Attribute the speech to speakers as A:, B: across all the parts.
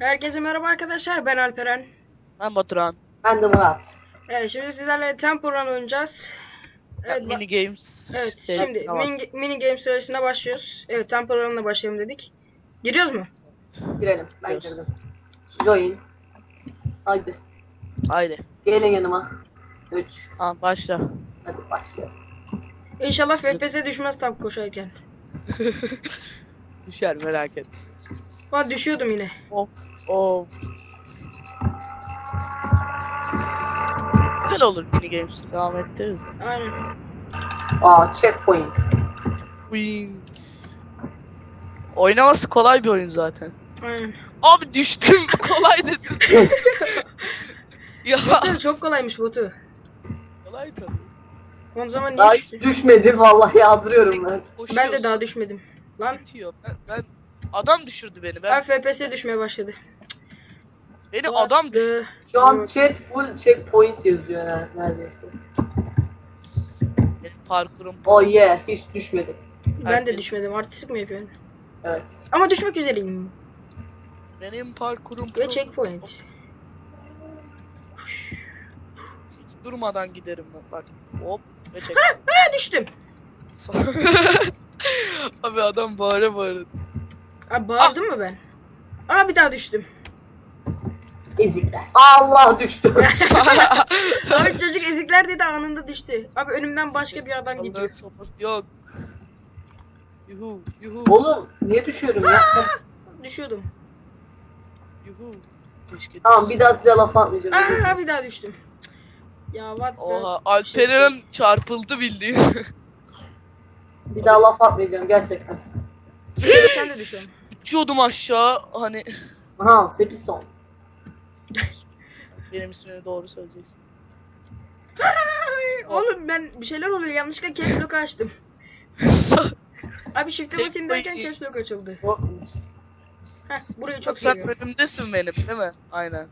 A: Herkese merhaba arkadaşlar, ben Alperen.
B: Ben Baturan.
C: Ben de Murat.
A: Evet, şimdi sizlerle Temple Run oynayacağız. Evet,
B: Mini Games
A: evet
B: serisine
A: şimdi
B: bak.
A: mini game süresine başlıyoruz. Evet, Temple Run'la başlayalım dedik. Giriyoruz mu?
C: Girelim. Ben
B: Gidiyoruz.
C: girdim. Join. Haydi.
B: Haydi.
C: Gelin yanıma. 3.
B: Başla.
C: Hadi başlayalım.
A: İnşallah FPS düşmez tam koşarken.
B: Düşer merak et.
A: Aa, düşüyordum yine.
B: Of. Güzel olur Mini Games. Devam ettiririz.
A: Aynen.
C: Checkpoint.
B: Wings. Oynaması kolay bir oyun zaten.
A: Aynen.
B: Abi düştüm. Kolay dedim. Ya.
A: Botu çok kolaymış botu.
B: Kolay tabii.
A: O zaman
C: Daha
A: niye
C: hiç düşmedi. Vallahi yadırıyorum ben.
A: Ben de daha düşmedim. Lan.
B: Bitiyor. Ben adam düşürdü beni.
A: Ben FPS düşmeye başladı.
B: Beni adam düşürdü.
C: Şu an chat full checkpoint yazıyor neredeyse.
B: Benim parkurum.
C: Oh yeah. Hiç düşmedim.
A: Ben de düşmedim. Artistik mi yapıyorum?
C: Evet.
A: Ama düşmek üzereyim.
B: Benim parkurum.
A: Ve checkpoint.
B: Hiç durmadan giderim ben. Bak. Hop. Ve çek.
A: Ha, düştüm.
B: Abi adam bağıra bağıra.
A: Abi bağırdım mı ben? Aa, bir daha düştüm.
C: Ezikler. Allah düştü.
A: Abi çocuk ezikler dedi, anında düştü. Abi önümden başka bir adam
B: Allah'ın
A: gidiyor.
B: sopası yok. Yuhu yuhu
C: Oğlum niye düşüyorum ya?
A: Düşüyordum.
B: yuhu. Keşke
C: Tamam
B: düşsün.
C: bir daha size laf atmayacağım.
A: Aa, bir daha düştüm. Ya what the...
B: Oha Alperen çarpıldı bildiğin.
C: Bir daha laf atmayacağım gerçekten.
A: Sen de düşüyorsun.
B: Uçuyordum aşağı hani.
C: Aha Sepison.
B: Benim ismini doğru söyleyeceksin.
A: Ay, oğlum ben bir şeyler oluyor, yanlışlıkla caps lock açtım. Abi shift'e basayım derken caps lock açıldı. Heh, burayı çok
B: Sen
A: seviyorum.
B: önümdesin benim değil mi? Aynen.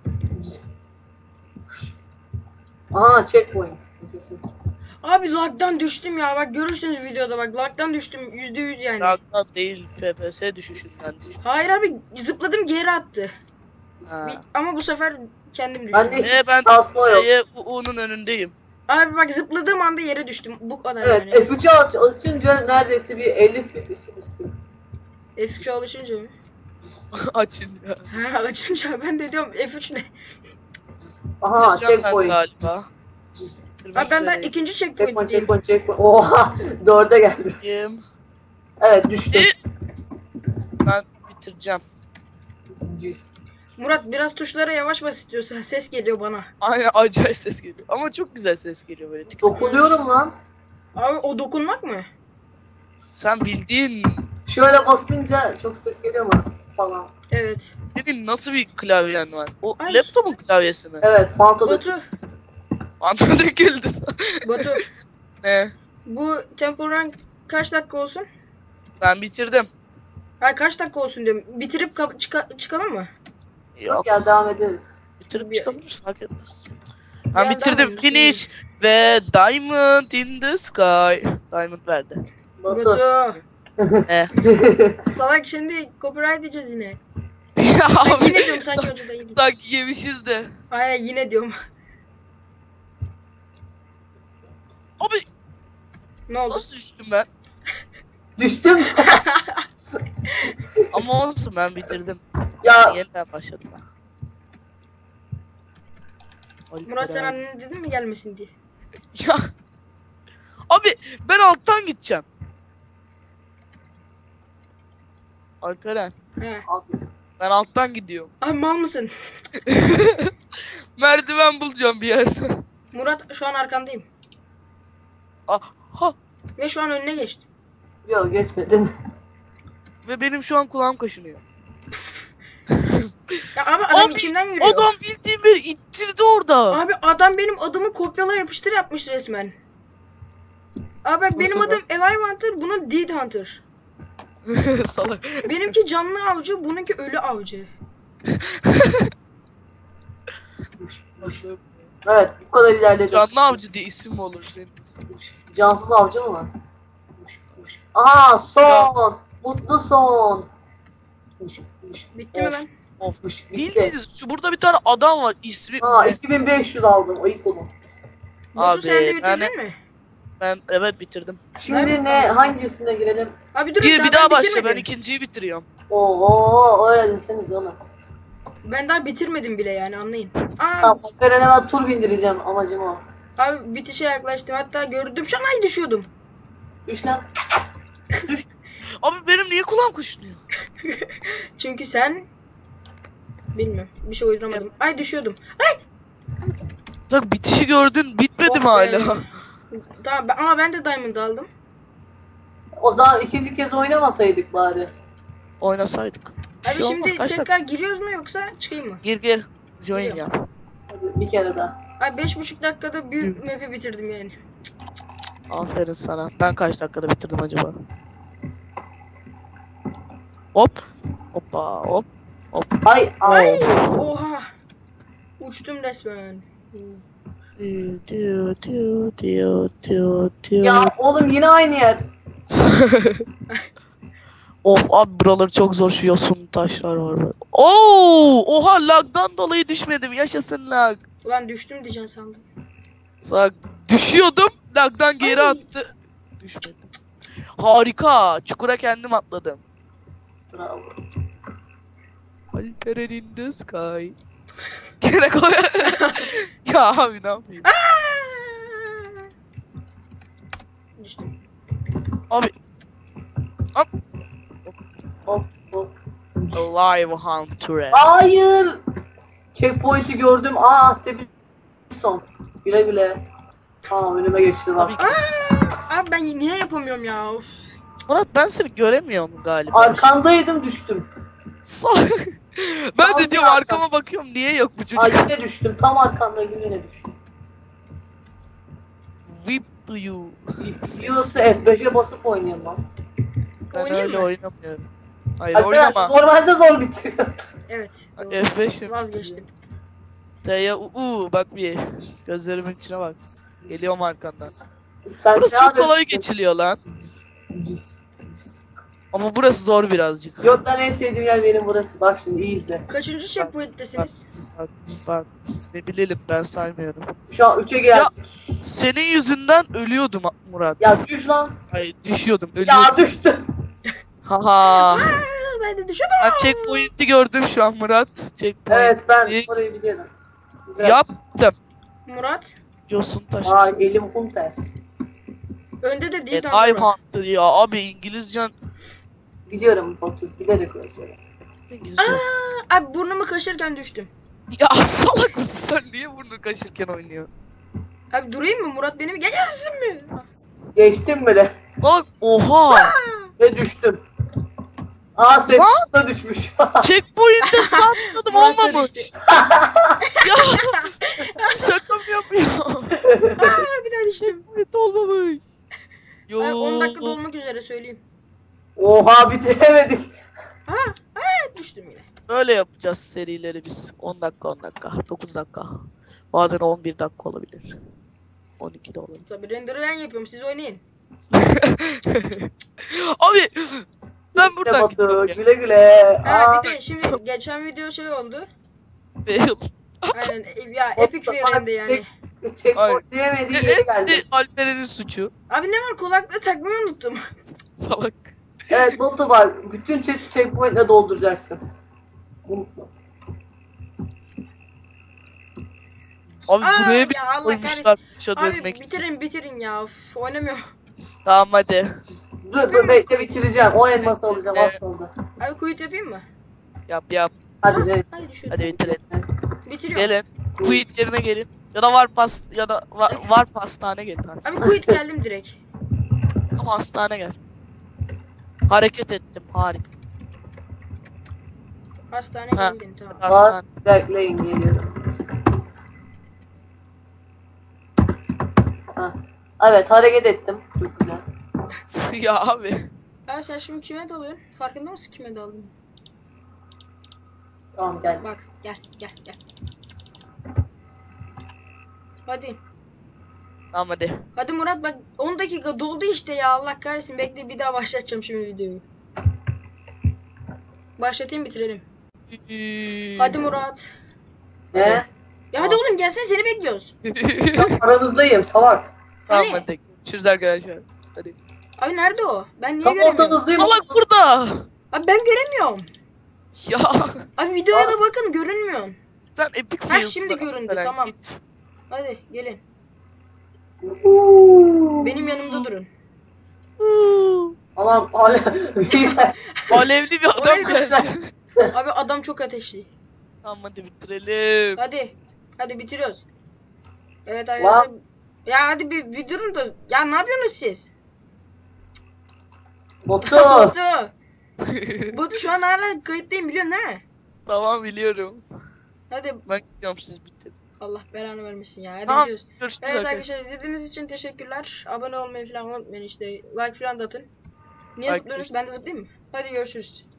C: Aha checkpoint.
A: Abi lag'dan düştüm ya, bak görürsünüz videoda, bak lag'dan düştüm %100 yani.
B: Ragdan değil FPS düşüşünden.
A: Hayır abi, zıpladım geri attı.
B: Ha.
A: Ama bu sefer kendim düştüm.
C: Ben de
B: Ben
C: hiç kasma yok.
B: U'nun önündeyim.
A: Abi bak, zıpladığım anda yere düştüm. Bu kadar
C: Evet
A: yani.
C: F3'ü açınca neredeyse bir 50 FPS düştü.
A: F3'e alışınca mı?
B: Açın ya.
A: Ha, açınca ben de diyorum F3 ne?
C: Aha
B: Bitireceğim ben
C: checkpoint.
B: galiba.
A: Abi ben daha ikinci checkpoint'teyim.
C: Checkpoint. Oha 4'e geldim.
B: Bitireyim.
C: Evet düştüm.
B: Ben bitireceğim.
C: Cüz.
A: Murat biraz tuşlara yavaş bas istiyorsa, ses geliyor bana.
B: Aynen acayip ses geliyor. Ama çok güzel ses geliyor böyle. Tık tık.
C: Dokunuyorum lan.
A: Abi o dokunmak mı?
B: Sen bildiğin
C: Şöyle basınca çok ses geliyor mu falan.
A: Evet.
B: senin nasıl bir klavyen var? O
A: Ay.
B: laptopun klavyesi mi?
C: Evet Fanto'da.
A: Batu,
B: Fantastik geldi sana.
A: Batu.
B: Ne?
A: Bu Temple Run kaç dakika olsun?
B: Ben bitirdim.
A: Hayır, kaç dakika olsun diyorum. Bitirip çıkalım mı?
B: Yok.
C: Ya devam ederiz.
B: Bitirip
A: Bir-
B: çıkabiliriz fark etmez.
A: Ya,
B: Ben bitirdim.
A: devam edelim.
B: Finish ve Diamond in the Sky. Diamond verdi.
C: Batu.
A: Batu.
B: Ne?
A: Salak, şimdi copyright diyeceğiz yine.
B: Ya
A: Ben
B: abi.
A: yine diyorum, sanki önceden yedik.
B: Sanki yemişiz de.
A: Hayır, yine diyorum.
B: Abi
A: Ne oldu?
B: nasıl düştüm ben?
C: Düştüm.
B: Ama olsun ben bitirdim.
C: Ya
B: Yeniden başladım ben.
A: Murat, sen
B: Alperen.
A: annene dedin mi gelmesin diye?
B: Ya. Abi ben alttan gideceğim. Alperen.
A: He.
B: Ben alttan gidiyorum.
A: Abi mal mısın?
B: Merdiven bulacağım bir yerden.
A: Murat, şu an arkandayım.
B: Ha.
A: Ve şu an önüne geçtim.
C: yok geçmedin.
B: Ve benim şu an kulağım kaşınıyor.
A: Ya abi, adam
B: Abi,
A: içimden yürüyor.
B: Adam bildiğin beni ittirdi orada.
A: Abi adam benim adımı kopyala yapıştır yapmış resmen. Abi bak, benim
C: Nasıl
A: adım Alive Hunter, bunun Dead Hunter.
B: Salak.
A: Benimki canlı avcı, bununki ölü avcı.
C: Evet bu kadar ilerledim.
B: Canlı avcı diye isim mi olur senin?
C: Cansız avcı mı var? Aha son. Mutlu son.
A: Bitti mi
B: Of.
A: lan?
B: Of.
C: Bitti.
B: Bildiğiniz şu burada bir tane adam var ismi.
C: Aa 2500 aldım. Ayıp olun.
A: Batu sen de
B: Abi
A: bitirdin mi?
B: ben evet bitirdim.
C: Şimdi
A: Nerede
C: ne?
A: kaldın?
C: Hangisine girelim?
A: Abi dur
B: Bir daha
A: ben
B: başla, ben
A: bitirmedim.
B: ikinciyi bitiriyorum.
C: Oo öyle deseniz oğlum.
A: Ben daha bitirmedim bile yani anlayın. Aa,
C: Tamam Alperen'e ben tur bindireceğim amacım o.
A: abi bitişe yaklaştım. Hatta gördüm şu an ay düşüyordum.
C: Düş lan. Düş.
B: Abi benim niye kulağım kuşluyor?
A: Çünkü sen bilmiyorum bir şey uyduramadım. Ay düşüyordum.
B: Bak bitişi gördün, bitmedi
A: Oh
B: mi
A: be.
B: hala?
A: Tamam ama ben de diamond aldım.
C: O zaman ikinci kez oynamasaydık bari.
B: Oynasaydık. Bir
A: Abi
B: şey olmaz,
A: şimdi
B: kaç dakika?
A: tekrar giriyoruz mu yoksa çıkayım mı?
B: Gir. Join
A: Giriyorum.
B: yap.
C: Hadi bir kere daha.
A: Ay 5,5 dakikada büyük map'i bitirdim yani.
B: Aferin sana. Ben kaç dakikada bitirdim acaba? Hop. Hoppa hop.
C: Ay ay.
A: Ay oha. Uçtum resmen.
C: Ya oğlum yine aynı yer.
B: Of abi buraları çok zor, şu yosun taşlar var böyle. Oo, oha lagdan dolayı düşmedim. Yaşasın lag.
A: Ulan düştüm diyeceksin sandım.
B: Sağ düşüyordum. Lagdan geri
A: Ay.
B: attı. Düşmedim. Harika. Çukura kendim atladım.
C: Bravo.
B: Alperen in the sky. Gene koy. Ya abi ne yapayım?
A: Düştüm.
B: Abi
C: Hop hop.
B: Live Hunter.
C: Hayır. Checkpoint'i gördüm. Aa Sebison. Güle güle. Aa önüme geçti lan.
B: Tabii ki.
A: Abi ben niye yapamıyorum ya? Of.
B: Murat ben seni göremiyorum galiba.
C: Arkandaydım düştüm.
B: Ben de
C: Sağ
B: diyorum
C: ol.
B: arkama bakıyorum, niye yok bu çocuk?
C: Ay yine düştüm. Tam arkandaydım yine düştüm.
B: Whip to you.
C: Yiyorsa F5'e basıp oynayalım lan.
B: Ben
A: Oynayayım
B: öyle
A: mı?
B: oynamıyorum. Hayır
C: Alperen,
B: oynama.
C: normalde zor bitiriyor.
A: Evet. doğru.
B: F5'im.
A: Vazgeçtim.
B: T'ye bak bir. Gözlerimin içine bak. Geliyorum arkandan.
C: Sen
B: Burası
C: devam
B: çok kolay
C: et.
B: geçiliyor lan. Ama burası zor birazcık.
C: Yok lan en sevdiğim yer benim burası. Bak şimdi iyi izle.
A: Kaçıncı checkpoint'tesiniz?
B: Bak. Ne bilelim, ben saymıyorum.
C: Şu an 3'e geldik.
B: Senin yüzünden ölüyordum Murat.
C: Ya düş lan.
B: Hayır düşüyordum, ölüyordum.
C: Ya düştüm.
B: Haha.
A: Aa, ben de düşüyordum.
B: Ben checkpoint'i gördüm şu an Murat. Checkpoint.
C: Evet ben
B: İyi.
C: orayı biliyorum. Güzel.
B: Yaptım.
A: Murat.
B: Yosun taşı.
C: Aa elim Hunter.
A: Önde de değil
B: Evet,
A: tam
B: I'm
A: Murat.
B: Hunter ya abi, İngilizcen.
C: Biliyorum Batu. Bilerek öyle söylüyorum.
B: İngilizce.
A: Aa, abi burnumu kaşırken düştüm.
B: Ya salak mısın sen, niye burnunu kaşırken oynuyor?
A: Abi durayım mı? Murat beni mi? Geçersin mi?
C: Geçtim bile.
B: Salak, oha.
C: Ve düştüm. Aa sen da düşmüş.
B: Checkpoint'te sakladım,
A: Murat da
B: olmamış.
A: düştü.
B: Ya şaka mı yapıyor?
A: Aa, bir daha düştüm.
B: Checkpoint olmamış. Yo.
A: Abi 10 dakika dolmak üzere söyleyeyim.
C: Oha bitiremedik.
A: Aa, düştüm yine.
B: Böyle yapacağız serileri biz. 10 dakika 10 dakika 9 dakika. Bazen 11 dakika olabilir. 12 de olabilir.
A: Tabii render'ı ben yapıyorum. Siz oynayın.
B: Abi ben
C: İşte
B: buradan
C: Batu,
B: gidiyorum ya.
C: güle güle.
A: Ha
C: Aa,
A: bir de şimdi geçen video şey oldu.
B: Fail.
A: Aynen ya epic fail hem de yani.
C: Checkpoint diyemediği yeri geldi.
B: Hepsi Alperen'in suçu.
A: Abi ne var kulaklığı takmayı unuttum.
B: Salak.
C: Evet Batu bak bütün checkpoint'le dolduracaksın. Unutma.
B: Abi
A: Aa,
B: buraya bir
A: ya Allah
B: koymuşlar dışa
A: Abi
B: dönmek için.
A: bitirin ya. Uf, oynamıyorum.
B: Tamam hadi.
C: Dur bekle bitireceğim. O elması alacağım
B: Evet.
C: az kaldı.
A: Abi quit yapayım mı?
B: Yap.
C: Hadi neyse.
A: Hayır düşürdüm.
B: Hadi bitirelim.
A: Bitiriyorum.
B: Gelin. Quit yerine gelin. Ya da var pastane gelin. Hadi.
A: Abi quit geldim direkt.
B: Ama hastane gel. Hareket ettim, harika.
A: Hastane
B: Ha.
A: geldim tamam.
B: Hastane.
C: Var bekleyin geliyorum. Ha. Evet hareket ettim. Çok güzel.
B: Ya abi.
A: Abi sen şimdi kime dalıyorsun? Farkında mısın kime daldın?
C: Tamam gel.
A: Bak gel. Hadi.
B: Tamam hadi.
A: Hadi Murat bak 10 dakika doldu işte ya Allah kahretsin bekle bir daha başlatacağım şimdi videoyu. Başlatayım bitirelim. Hadi Murat.
C: Ne?
A: Ya hadi oğlum gelsene seni bekliyoruz.
C: Ben aranızdayım salak.
B: Tamam
A: Hani?
B: hadi. Görüşürüz arkadaşlar. Hadi.
A: Abi nerede o? Ben niye
C: Tam
A: göremiyorum?
C: ortanızdayım.
B: Salak burada.
A: Abi ben göremiyorum.
B: Ya
A: Abi videoya da bakın görünmüyor.
B: sen epic
A: Ha,
B: fails'ın
A: şimdi göründü,
B: falan,
A: tamam.
B: git.
A: Hadi gelin.
C: Uuu.
A: Benim yanımda durun.
C: Allah'ım
B: Alevli bir adam
A: Oley.
B: geldi.
A: Abi adam çok ateşli.
B: Tamam hadi bitirelim.
A: Hadi. Hadi bitiriyoruz. Evet arkadaşlar. Ya hadi bir durun da. Ya ne yapıyorsunuz siz?
C: Batu.
A: Batu. Batu şu an hala kayıttayım biliyorsun değil mi?
B: Tamam biliyorum.
A: Hadi
B: Ben gidiyorum siz bitirin.
A: Allah belanı vermesin ya. Hadi
B: Tamam.
A: gidiyoruz.
B: Görüşürüz
A: Evet
B: arkadaşlar.
A: arkadaşlar izlediğiniz için teşekkürler. Abone olmayı falan unutmayın işte. Like falan da atın. Niye
B: Like
A: zıplıyorsunuz? Ben de zıplayayım mı? Hadi görüşürüz.